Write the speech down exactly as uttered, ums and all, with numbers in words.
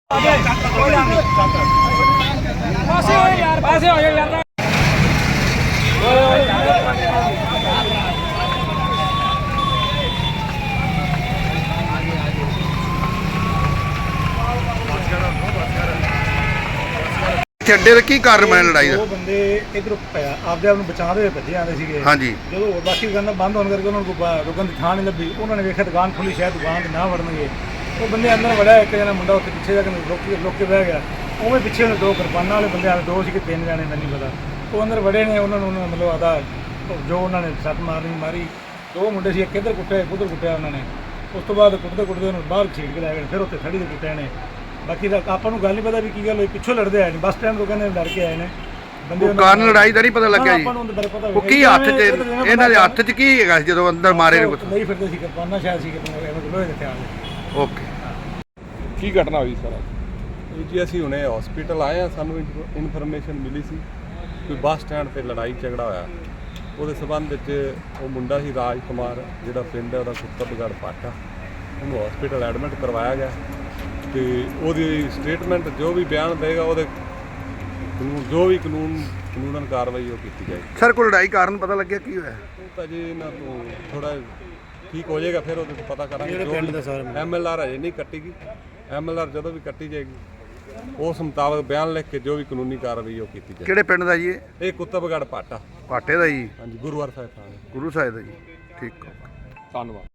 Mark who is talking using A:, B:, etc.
A: ਅੱਡੇ ਦਾ ਕੀ ਕਾਰਨ ਬਣਿਆ ਲੜਾਈ ਦਾ?
B: ਦੋ ਬੰਦੇ ਇਧਰੋਂ ਆਪਦੇ ਆਪ ਨੂੰ ਬਚਾਉਂਦੇ ਹੋਏ ਭੱਜੇ ਆਉਂਦੇ ਸੀਗੇ।
A: ਹਾਂਜੀ।
B: ਜਦੋਂ ਬਾਕੀ ਦੁਕਾਨਾਂ ਬੰਦ ਹੋਣ ਕਰਕੇ ਉਹਨਾਂ ਨੂੰ ਰੁਕਣ ਦੀ ਥਾਂ ਨਹੀਂ ਲੱਭੀ, ਉਹਨਾਂ ਨੇ ਵੇਖਿਆ ਦੁਕਾਨ ਖੁੱਲੀ, ਸ਼ਾਇਦ ਦੁਕਾਨ ਤੇ ਨਾ ਵੜਨਗੇ। ਉਹ ਬੰਦੇ ਅੰਦਰ ਵੜਿਆ, ਇੱਕ ਜਣਾ ਮੁੰਡਾ ਉੱਥੇ ਪਿੱਛੇ ਜਾ ਕੇ ਰੁਕ ਰੁਕ ਕੇ ਬਹਿ ਗਿਆ। ਉਵੇਂ ਪਿੱਛੇ ਉਹਨੇ ਦੋ ਕਿਰਪਾਨਾਂ ਵਾਲੇ ਬੰਦੇ ਆਏ, ਦੋ ਸੀ ਕਿ ਤਿੰਨ ਜਾਣੇ ਮੈਨੂੰ ਨਹੀਂ ਪਤਾ। ਉਹ ਅੰਦਰ ਵੜੇ ਨੇ, ਉਹਨਾਂ ਨੂੰ ਉਹਨਾਂ ਮਤਲਬ ਆਦਾ ਜੋ ਉਹਨਾਂ ਨੇ ਸੱਟ ਮਾਰਨੀ ਮਾਰੀ। ਦੋ ਮੁੰਡੇ ਸੀ, ਇੱਕ ਇੱਧਰ ਕੁੱਟਿਆ ਇੱਕ ਉੱਧਰ ਕੁੱਟਿਆ ਉਹਨਾਂ ਨੇ। ਉਸ ਤੋਂ ਬਾਅਦ ਕੁੱਟਦੇ ਕੁੱਟਦੇ ਉਹਨੂੰ ਬਾਹਰ ਛੀੜ ਕੇ ਲੈ ਗਏ, ਫਿਰ ਉੱਥੇ ਖੜੀ ਦੇ ਕੁੱਟਿਆ ਨੇ। ਬਾਕੀ ਤਾਂ ਆਪਾਂ ਨੂੰ ਗੱਲ ਨਹੀਂ ਪਤਾ ਵੀ ਕੀ ਗੱਲ ਹੋਈ, ਪਿੱਛੋਂ ਲੜਦੇ ਆਏ ਨੇ, ਬੱਸ ਸਟੈਂਡ ਤੋਂ ਕਹਿੰਦੇ ਲੜ ਕੇ ਆਏ ਨੇ ਬੰਦੇ।
A: ਕਾਰਨ ਲੜਾਈ ਦਾ ਨਹੀਂ ਪਤਾ ਲੱਗਿਆ ਜੀ? ਉਹ ਕੀ ਹੱਥ 'ਚ ਇਹਨਾਂ ਦੇ ਹੱਥ 'ਚ ਕੀ ਹੈਗਾ ਜਦੋਂ ਅੰਦਰ ਮਾਰੇ ਨੇ?
B: ਨਹੀਂ ਫਿਰਦੇ ਸੀ ਕਿਰਪਾਨਾਂ ਸ਼ਾਇਦ ਸੀ ਕਿ ਲੋਹੇ ਦੇ ਹਥਿਆਰ।
A: ਓਕੇ,
C: ਕੀ ਘਟਨਾ ਹੋਈ ਸਾਰਾ ਜੀ? ਅਸੀਂ ਹੁਣੇ ਹਸਪੀਟਲ ਆਏ ਆ, ਸਾਨੂੰ ਇਨਫੋਰਮੇਸ਼ਨ ਮਿਲੀ ਸੀ ਕੋਈ ਬੱਸ ਸਟੈਂਡ ਤੇ ਲੜਾਈ ਝਗੜਾ ਹੋਇਆ। ਉਹਦੇ ਸਬੰਧ ਵਿੱਚ ਉਹ ਮੁੰਡਾ ਸੀ ਰਾਜ ਕੁਮਾਰ, ਜਿਹੜਾ ਪਿੰਡ ਹੈ ਉਹਦਾ ਕੁੱਤਬਗੜ੍ਹ ਪਾਟਾ, ਉਹਨੂੰ ਹਸਪੀਟਲ ਐਡਮਿਟ ਕਰਵਾਇਆ ਗਿਆ ਤੇ ਉਹਦੀ ਸਟੇਟਮੈਂਟ ਜੋ ਵੀ ਬਿਆਨ ਦੇਗਾ ਉਹਦੇ ਜੋ ਵੀ ਕਾਨੂੰਨ ਕਾਨੂੰਨ ਕਾਰਵਾਈ ਉਹ ਕੀਤੀ ਜਾਏਗੀ।
A: ਸਰ ਕੋਈ ਲੜਾਈ ਕਾਰਨ ਪਤਾ ਲੱਗਿਆ ਕੀ ਹੋਇਆ?
C: ਉਹ ਤਾਂ ਜੀ ਇਹਨਾਂ ਤੋਂ ਥੋੜਾ ਠੀਕ ਹੋ ਜਾਏਗਾ, ਫਿਰ ਉਹਦੇ ਤੋਂ ਪਤਾ ਕਰਾਂਗੇ। ਐਮ ਐਲ ਆਰ ਹਜੇ ਨਹੀਂ ਕੱਟੀ ਗਈ, ਐਮ ਐਲ ਆਰ ਜਦੋਂ ਵੀ ਕੱਟੀ ਜਾਏਗੀ ਉਸ ਮੁਤਾਬਕ ਬਿਆਨ ਲਿਖ ਕੇ ਜੋ ਵੀ ਕਾਨੂੰਨੀ ਕਾਰਵਾਈ ਉਹ ਕੀਤੀ ਜਾਏਗੀ।
A: ਕਿਹੜੇ ਪਿੰਡ ਦਾ ਜੀ ਇਹ?
C: ਇਹ ਕੁੱਤਬਗੜ੍ਹ ਪਾਟਾ
A: ਪਾਟੇ ਦਾ ਜੀ?
C: ਹਾਂਜੀ, ਗੁਰੂਵਾਰ ਸਾਹਿਬ ਥਾਣੇ।
A: ਗੁਰੂ ਸਾਹਿਬ ਦਾ ਜੀ। ਠੀਕ,
C: ਧੰਨਵਾਦ।